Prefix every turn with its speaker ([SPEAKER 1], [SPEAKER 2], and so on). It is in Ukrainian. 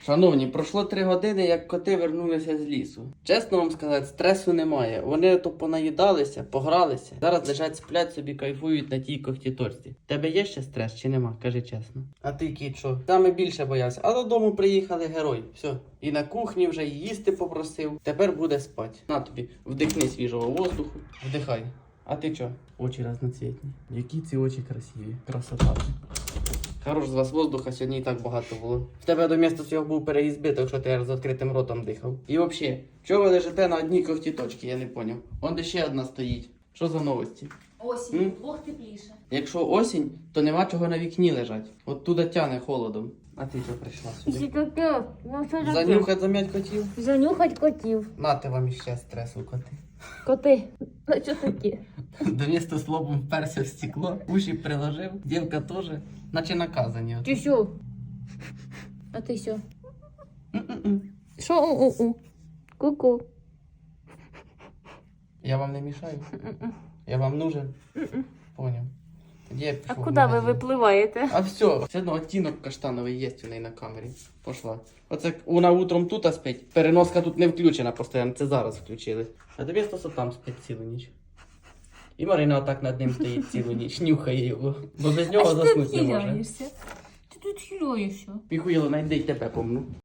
[SPEAKER 1] Шановні, пройшло 3 години, як коти вернулися з лісу. Чесно вам сказати, стресу немає. Вони то понаїдалися, погралися. Зараз лежать, сплять собі, кайфують на тій когтіторці. Тебе є ще стрес чи нема? Кажи чесно. А ти, кіт, що? Саме більше боявся. А додому приїхали герой. Все. І на кухні вже і їсти попросив. Тепер буде спати. На тобі, вдихни свіжого воздуху. Вдихай. А ти чо? Очі разноцвітні. Які ці очі красиві. Красота. Хорош з вас воздуха, сьогодні і так багато було. В тебе до міста цього був переїзд збиток, що ти з відкритим ротом дихав. І взагалі, чого ви лежите на одній когтіточці, я не поняв. Вон де ще одна стоїть. Що за новості?
[SPEAKER 2] Осінь, вдвох тепліше.
[SPEAKER 1] Якщо осінь, то нема чого на вікні лежать. От туди тяне холодом. А ти що прийшла сюди? Занюхать зам'ять котів?
[SPEAKER 2] Занюхать котів.
[SPEAKER 1] Нате вам іще стресу, коти.
[SPEAKER 2] Коти. Ну що такі?
[SPEAKER 1] До міста з лобом вперся в стекло, уші приложив, дівка теж, наче наказані.
[SPEAKER 2] Ти що? А ти що? Що у-у-у? Ку-ку.
[SPEAKER 1] Я вам не мішаю? Я вам нужен? Поняв. Тоді я
[SPEAKER 2] А
[SPEAKER 1] пішов в
[SPEAKER 2] куди ви
[SPEAKER 1] магазин.
[SPEAKER 2] випливаєте?
[SPEAKER 1] А все, все одно оттінок каштановий є у неї на камері. Пошла. Оце вона утром тут спить. Переноска тут не включена постійно, це зараз включили. А тобі стосо там спить цілу ніч. І Марина отак над ним стоїть цілу ніч, нюхає його. Бо без нього заснути не може.
[SPEAKER 2] Ти тут хиляєшся.
[SPEAKER 1] Піхуїло, найди й тебе помну.